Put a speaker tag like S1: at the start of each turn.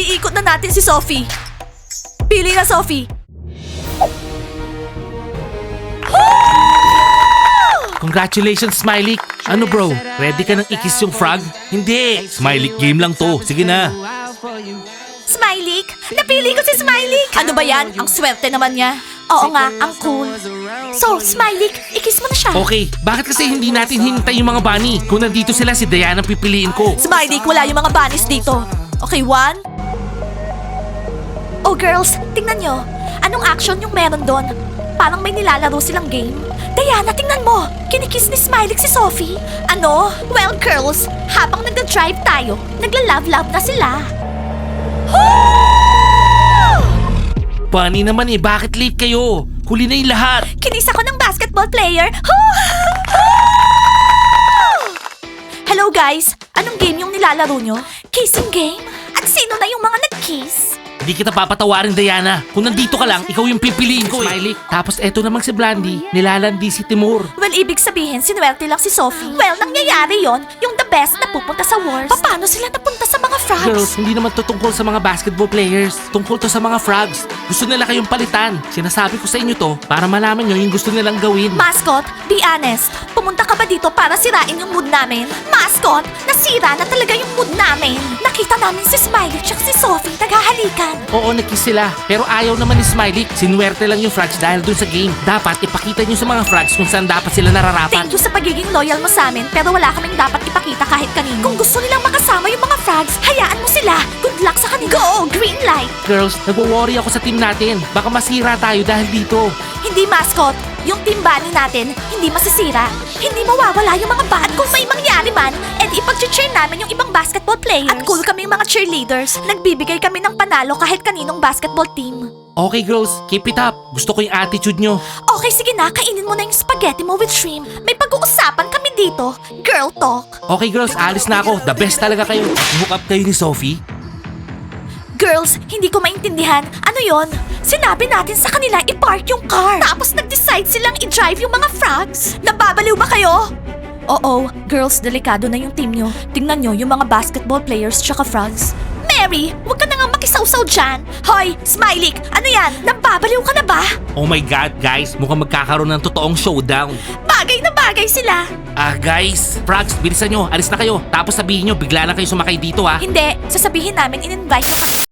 S1: Iikot na natin si Sophie. Pili na, Sophie.
S2: Congratulations, Smiley. Ano bro, ready ka nang ikis yung frog? Hindi, Smiley game lang to. Sige na.
S1: Smiley! Napili ko si Smiley! Ano ba yan? Ang swerte naman niya. Oo nga, ang cool. So, Smiley, ikis mo na siya.
S2: Okay, bakit kasi hindi natin hintay yung mga bunny? Kung nandito sila, si Diana ang pipiliin ko.
S1: Smiley, wala yung mga bunnies dito. Okay, 1. Oh, girls, tingnan nyo. Anong action yung meron doon? Parang may nilalaro silang game. Diana, tingnan mo! Kinikiss ni Smiley si Sophie. Ano? Well, girls, habang nagda-drive tayo, nagla-love-love na sila.
S2: Bunny naman eh, bakit late kayo? Huli na yung lahat.
S1: Kinis ako ng basketball player. Hello guys, anong game yung nilalaro nyo? Kissing game? At sino na yung mga nag-kiss?
S2: Hindi kita papatawarin, Diana. Kung nandito ka lang, ikaw yung pipiliin ko eh. Smiley. Tapos eto namang si Blandy, nilalandi si Timur.
S1: Well, ibig sabihin, sinuwerte lang si Sophie. Well, nangyayari yon, yung the best na pupunta sa worst. Paano sila napunta sa mga frogs?
S2: Girls, hindi naman to tungkol sa mga basketball players. Tungkol to sa mga frogs. Gusto nila kayong palitan. Sinasabi ko sa inyo to para malaman nyo yung gusto nilang gawin.
S1: Mascot, be honest. Pumunta ka ba dito para sirain yung mood namin? Mascot, nasira na talaga yung mood namin. Nakita namin si Smiley at si Sophie naghahalikan.
S2: Oo, nakiss sila. Pero ayaw naman ni Smiley. Sinuwerte lang yung frogs dahil dun sa game. Dapat ipakita nyo sa mga frogs kung saan dapat sila nararapat.
S1: Thank you sa pagiging loyal mo sa amin, pero wala kaming dapat ipakita kahit kanino. Kung gusto nilang makasama yung mga frogs, hayaan mo sila. Good luck sa kanila. Go! Green light!
S2: Girls, nagwo-worry ako sa team natin. Baka masira tayo dahil dito.
S1: Hindi, mascot. Yung team bunny natin, hindi masisira. Hindi mawawala yung mga bat. Kung may mangyari man, edi ipag-cheer namin yung ibang basketball players. At cool kaming mga cheerleaders. Nagbibigay kami ng panalo kahit kaninong basketball team.
S2: Okay girls, keep it up. Gusto ko yung attitude nyo.
S1: Okay, sige na. Kainin mo na yung spaghetti mo with shrimp. May pag-uusapan kami dito. Girl talk.
S2: Okay girls, alis na ako. The best talaga kayo. Hook up kayo ni Sophie.
S1: Girls, hindi ko maintindihan. Ano yon? Sinabi natin sa kanila i-park yung car. Tapos nag-decide silang i-drive yung mga frogs. Nababaliw ba kayo? Oo, girls, delikado na yung team nyo. Tingnan nyo yung mga basketball players tsaka frogs. Mary, huwag ka na nga makisawsaw dyan. Hoy, Smiley, ano yan? Nababaliw ka na ba?
S2: Oh my God, guys. Mukhang magkakaroon ng totoong showdown.
S1: Bagay na bagay sila.
S2: Guys, frogs, bilisan nyo. Alis na kayo. Tapos sabihin nyo, bigla na kayo sumakay dito ha.
S1: Hindi, sasabihin namin in-invite na kami.